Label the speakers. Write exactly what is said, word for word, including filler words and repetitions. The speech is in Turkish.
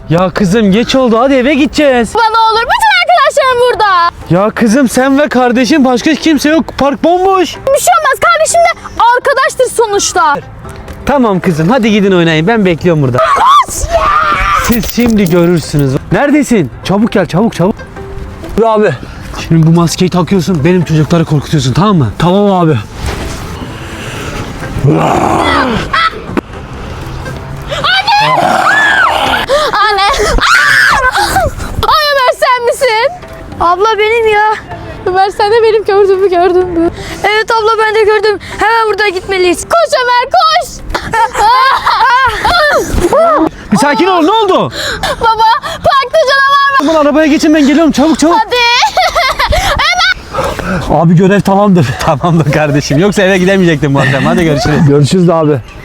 Speaker 1: Ya kızım geç oldu, hadi eve gideceğiz.
Speaker 2: Bana olur, bütün arkadaşlarım burada.
Speaker 1: Ya kızım sen ve kardeşin, başka kimse yok, park bomboş.
Speaker 2: Bir şey olmaz, kardeşim de arkadaştır sonuçta.
Speaker 1: Tamam kızım, hadi gidin oynayın, ben bekliyorum burada. Siz şimdi görürsünüz. Neredesin? Çabuk gel, çabuk çabuk.
Speaker 3: Abi.
Speaker 1: Şimdi bu maskeyi takıyorsun, benim çocukları korkutuyorsun, tamam mı?
Speaker 3: Tamam abi.
Speaker 2: Anne. Ay Ömer, sen misin?
Speaker 4: Abla benim ya.
Speaker 2: Ömer, sen de benim gördüğümü gördün mü?
Speaker 4: Evet abla, ben de gördüm. Hemen buradan gitmeliyiz.
Speaker 2: Koş Ömer, koş.
Speaker 1: Bir sakin ol, ne oldu?
Speaker 2: Baba, parkta canavar var.
Speaker 1: Aman arabaya geçin, ben geliyorum, çabuk çabuk.
Speaker 2: Hadi.
Speaker 1: Abi görev tamamdır. Tamamdır kardeşim, yoksa eve gidemeyecektim bu akşam. Hadi görüşürüz.
Speaker 3: Görüşürüz abi.